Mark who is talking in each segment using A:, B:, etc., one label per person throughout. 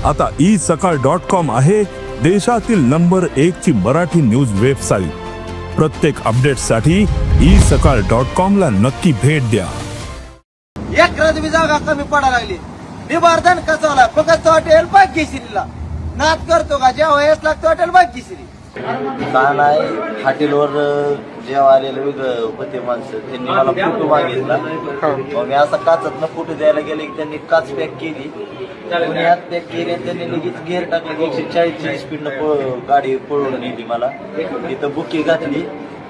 A: आता isakal.com आहे देशातील नंबर 1 ची मराठी न्यूज वेबसाईट। प्रत्येक अपडेटसाठी isakal.com ला नक्की भेट द्या।
B: एक रजबी जागा कमी पडायला लागली, निबारधन कचवला फक्त हॉटेल भाग्यश्रीला नाद करतो का जेव्हा वयस लागतो हॉटेल भाग्यश्री
C: का नाही हॉटेलवर जेव्हा आलेलं वेगळं होते माणसं त्यांनी मला फोटो मागितला। मग मी असा काचतनं फोटो द्यायला गेले की त्यांनी काच पॅक केली, कोणी हात पॅक केली आणि त्यांनी लगेच गेअर टाकले, 140ची स्पीडनं गाडी पळवून नेली मला। तिथं बुकी घातली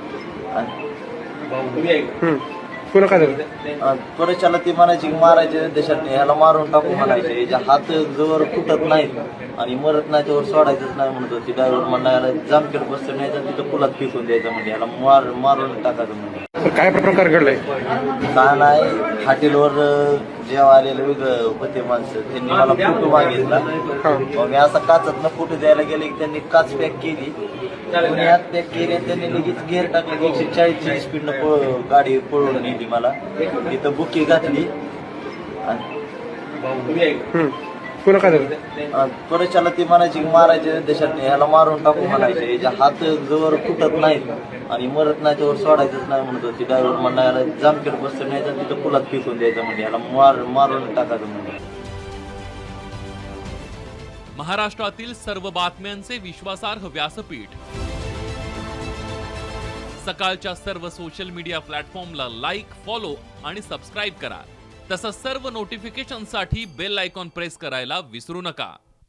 D: पुन्हा काय झालं?
C: त्वरेच्याला ती म्हणायची मारायचे देशात ह्याला मारून टाकू म्हणायचे, याच्या हात जवळ फुटत नाहीत आणि मरत नाही त्यावर सोडायचंच नाही म्हणत होती। ड्रायव्हर म्हणला याला जामखेड बसतो न्यायचा, तिथं पुलात फेकून द्यायचं म्हणजे याला मारून टाकायचं म्हणजे।
D: काय प्रकार घडलाय?
C: का नाही हॉटेलवर जेव्हा आलेलं वेगळं होते माणसं त्यांनी मला फोटो मागितला। मग मी असा काचतनं फोटो द्यायला गेले की त्यांनी काच पॅक केली, कोणी हात पॅक केली आणि त्यांनी लगेच गेअर टाकले, 140ची स्पीडनं गाडी पळवून नेली मला। तिथं बुकी घातली
D: पुन्हा काय झालं?
C: त्वरेच्याला ती म्हणायची मारायचे देशात ह्याला मारून टाकू म्हणायचे, याच्या हात जवळ फुटत नाहीत आणि मरत नाही त्यावर सोडायचंच नाही म्हणत होती। ड्रायव्हर म्हणला याला जामखेड बसतो न्यायचा, तिथं पुलात फेकून द्यायचं म्हणजे याला मारून टाकायचं म्हणजे।
E: महाराष्ट्रातील सर्व बातम्यांचे विश्वासार्ह व्यासपीठ सकाळच्या सर्व सोशल मीडिया प्लॅटफॉर्मला लाईक, फॉलो आणि सबस्क्राईब करा। तसंच सर्व नोटिफिकेशनसाठी बेल आयकॉन प्रेस करायला विसरू नका।